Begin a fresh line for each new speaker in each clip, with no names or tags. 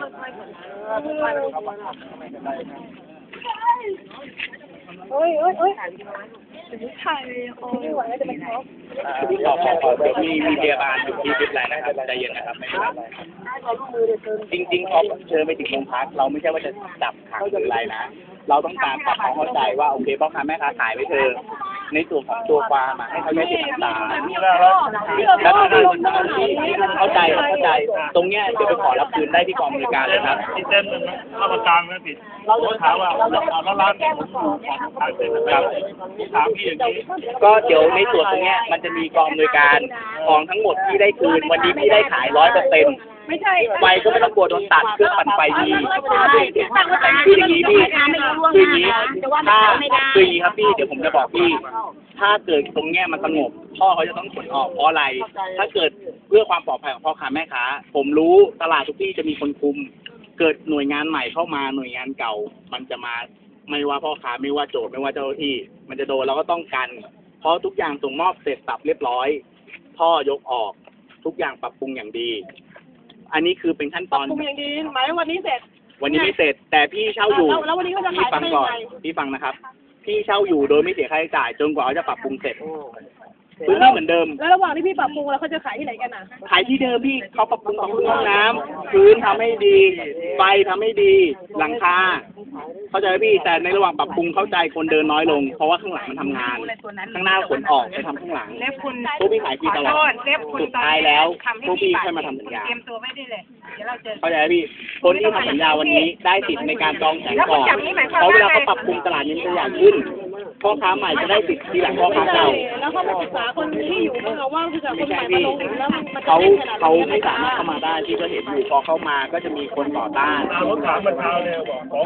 โอ้ยถ่ายโอ้ยไม่ไหวแล้วจะไปท็อป
เดี๋ยวมีพยาบาลอยู่ที่วิทย์ไรนะครับใจเย็นนะครับไม่เป็นไรจริงๆเขาเชิญไปถึงโรงพักเราไม่ใช่ว่าจะจับขังหรืออะไรนะเราต้องการปรับความเข้าใจว่าโอเคพ่อค้าแม่ค้าขายไปเถอะในส่วนของตัวความให้เขาได้เสียน้ำตาแล้วก็เข้าใจตรงเนี้ยเดี๋ยวไปขอรับคืนได้ที่กองบริการเลยครับ
ที่เต้นเข้ามาตามไม่ผิดเราถามว่าแล้วร้านผมของทางเซ็นนะครับถามพี่อย่างนี้
ก็เดี๋ยวในส่วนตรงเนี้ยมันจะมีกองบริการของทั้งหมดที่ได้คืนวันนี้พี่ได้ขาย100%
ไม่ใช่
ไฟก็ไม่ต้องกลัวโดนตัดเครื่องปั่นไฟดีคืออย่างนี้พี่คืออย่างนี้ถ้าคืออย่างนี้ครับพี่เดี๋ยวผมจะบอกพี่ถ้าเกิดตรงเนี้ยมันสงบพ่อเขาจะต้องขนออกเพราะอะไรถ้าเกิดเพื่อความปลอดภัยของพ่อค้าแม่ค้าผมรู้ตลาดทุกที่จะมีคนคุมเกิดหน่วยงานใหม่เข้ามาหน่วยงานเก่ามันจะมาไม่ว่าพ่อค้าไม่ว่าโจทย์ไม่ว่าเจ้าหน้าที่มันจะโดนเราก็ต้องกันเพราะทุกอย่างส่งมอบเสร็จสับเรียบร้อยพ่อยกออกทุกอย่างปรับปรุงอย่างดีอันนี้คือเป็นขั้นตอน
ปรุงอย่างดีหมายวันนี้เสร็จ
วันนี้ไม่เสร็จแต่พี่เช่าอยู่
แล้ววันนี้ก็จะขาย
ฟังก่อนพี่ฟังนะครับพี่เช่าอยู่โดยไม่เสียค่าใช้จ่ายจนกว่าเขาจะปรับปรุงเสร็จพื้นที่เหมือนเดิม
แล้วระหว่างที่พี่ปรับปรุงแล้วเขาจะขายที่ไหนกันอ่ะ
ขายที่เดิมพี่เขาปรับปรุงห้องน้ำพื้นทำให้ดีไฟทำให้ดีหลังคาเข้าใจพี่แต่ในระหว่างปรับปรุงเข้าใจคนเดินน้อยลงเพราะว่าข้างหลังมันทำงานข้างหน้าขนออกไปทำข้างหลังพวกพี่ขายฟรีตลอดสุดท้ายแล้วพวกพี่แค่มาทำสัญญาเข้าใจพี่คนที่ทำสัญญาวันนี้ได้สิทธิ์ในการจองแสงก่อนเพราะเวลาเขาปรับปรุงตลาดนี้ตัวอย่างขึ้นพ่อค้าใหม่จะได้สิทธิ์ทีหลังพ่อค้าเก่า
แล้วเขาศึกษาคนที่อยู่เมืองว่าคือจากคนใหม่มาลงแล้วมัน
เขาไม่สามารถเข้ามาได้ที่ก็เห็นอยู่พอเข้ามาก็จะมีคนต่อต้าน
รถถามมันเช้าเลยบอกของ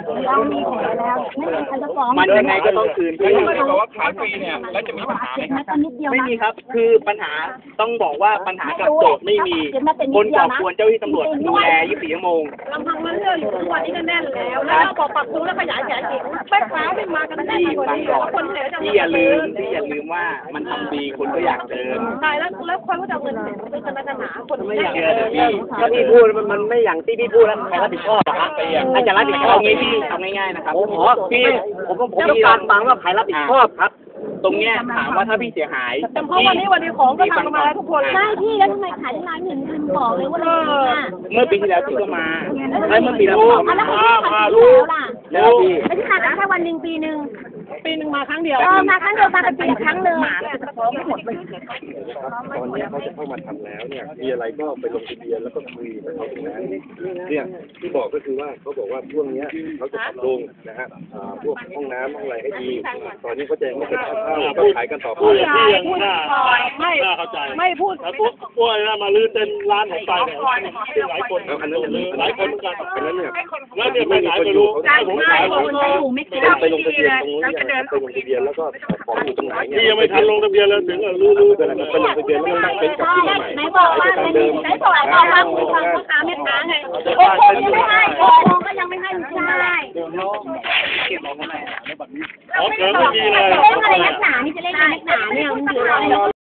ผม
มันยังไงก็ต้องคืนพี่
บอกว่าขายฟรีเนี่ยแล้วจะมีปัญหาไหมครับ
ไม่มีครับคือปัญหาต้องบอกว่าปัญหากับโจทย์ไม่มีคนก่อกวนเจ้าที่ตำรวจดูแล24 ชั่วโมง
ลำพังมันเรื่องอยู่ทุกวันนี้ก็แน่นแล้วพอปรับปรุงแล้วขยายแสงอีกแม่ค้าไม่มากันแน่นกว่านี้คนเหนือจะ
พี่อย่าลืมว่ามันทำดีคนก็อยากเดิน
ใช่แล้วคนก็จะเงินเป็นศาสนาคน
ไม่อยากเดินพี่ถ้าพี่พูดมันไม่อย่างที่พี่พูดแล้วใครรับผิดชอบอะครับใครจะรับผิดชอบงี้พี่ทำง่ายๆนะครับพี่ผมต้องการฟังว่าใครรับผิดชอบครับตรงเนี้ยถามว่าถ้าพี่เสียหาย
แต่เพราะวันนี้ของก็ทำมาแล้วทุกคน
ใช่พี่แล้วทำไมขายที่ร้านเห็นคุณบอกเลยว่า
เมื่อปีที่แล้วพี่ก็มาแล้วเมื่อปีแล้ว
มารู้แล้วพี่ไม่ใช่ขายแค่วันหนึ่งปีหนึ่ง
มาครั้งเดียว
มาครั้งเดียวมาเป็นปีครั้งเลย
พร้อมหมดเลย
ตอนนี้เขาจะเข้ามาทำแล้วเนี่ยมีอะไรก็ไปลงทะเบียนแล้วก็คุยกับเขาตรงนั้นเนี่ยที่บอกก็คือว่าเขาบอกว่าช่วงนี้เขาจะปรับปรุงนะฮะพวกห้องน้ำห้องอะไรให้ดีตอนนี้เขาจะไม่เป็นเข้าก็ขายกันต่อไป
พี่ยังน่าเข้าใจ
ไม่พูด
แล้วพวกนะมาลื้อเต็นร้านของไปเนี่ยหลายคนหลายคนกัน
อันนั้นเนี่ย
แล้วเนี่ยไปไหนไม่รู้ผมขาย
ไปลงทะเบียนตรงนี้ไปลงทะเบียนแล้วก็ของอยู่ตรงไหนเนี่ย
พี่ยังไม่ทันลงทะเบียนเลยถึงลื้อ
ไปลงทะเบียนแล้วตั้งเป็นกับที่ใหม่
ไหนบอกว่าไหนบอกว่าคุณฟังพ่อค้าแม่ค้าไงโอ้โหยังไม่ให้โอ้โหก็ยังไม่ให้ใช่
เก็บของข้างใน
อ๋อเกินไม่มีเลย
เล่นอะไรนักหนานี่จะเล่นอะไรนักหนาเนี่ยมันอยู่อะไร